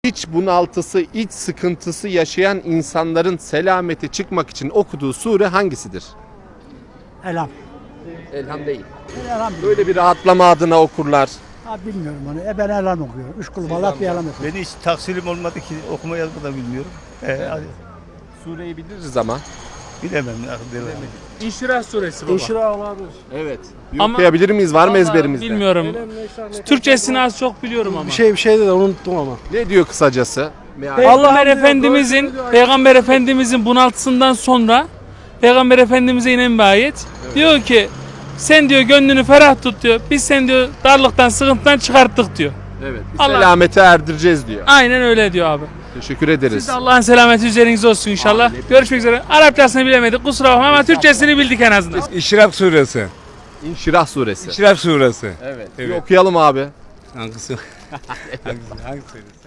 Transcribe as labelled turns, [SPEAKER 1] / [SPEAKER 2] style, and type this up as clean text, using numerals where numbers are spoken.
[SPEAKER 1] İç bunaltısı, iç sıkıntısı yaşayan insanların selameti çıkmak için okuduğu sure hangisidir?
[SPEAKER 2] Elham.
[SPEAKER 1] Elham değil.
[SPEAKER 2] Elham.
[SPEAKER 1] Böyle bir rahatlama adına okurlar.
[SPEAKER 2] Ha, bilmiyorum onu. Ben elham okuyorum. Üç kul balat bir elham okuyorum.
[SPEAKER 3] Ben hiç taksirim olmadı ki okuma yazma da bilmiyorum. Hadi.
[SPEAKER 1] Sureyi biliriz ama.
[SPEAKER 3] Bilemem. Bilemem.
[SPEAKER 4] İnşirah suresi baba.
[SPEAKER 5] İnşirah olabilir.
[SPEAKER 1] Evet.
[SPEAKER 4] Ama-
[SPEAKER 1] Okuyabilir miyiz? Var mı
[SPEAKER 4] Vallahi
[SPEAKER 1] ezberimizde?
[SPEAKER 4] Bilmiyorum. Türkçesini az çok biliyorum ama.
[SPEAKER 5] Bir şey de unuttum ama.
[SPEAKER 1] Ne diyor kısacası?
[SPEAKER 4] Peygamber Efendimizin bunaltısından sonra Peygamber Efendimiz'e inen bir ayet. Diyor ki sen diyor gönlünü ferah tut diyor. Biz sen diyor darlıktan, sıkıntıdan çıkarttık diyor.
[SPEAKER 1] Evet. Bir
[SPEAKER 4] Allah-
[SPEAKER 1] selamete erdireceğiz diyor.
[SPEAKER 4] Aynen öyle diyor abi.
[SPEAKER 1] Teşekkür ederiz.
[SPEAKER 4] Siz de Allah'ın selameti üzerinize olsun inşallah. Görüşmek üzere. Arapçasını bilemedik kusura bakma ama Türkçesini bildik en azından.
[SPEAKER 6] İşrak suresi.
[SPEAKER 1] İnşirah suresi.
[SPEAKER 6] İşrak suresi.
[SPEAKER 1] Evet. Bir
[SPEAKER 6] Evet.
[SPEAKER 1] okuyalım abi.
[SPEAKER 6] Hangisi? Hangisi?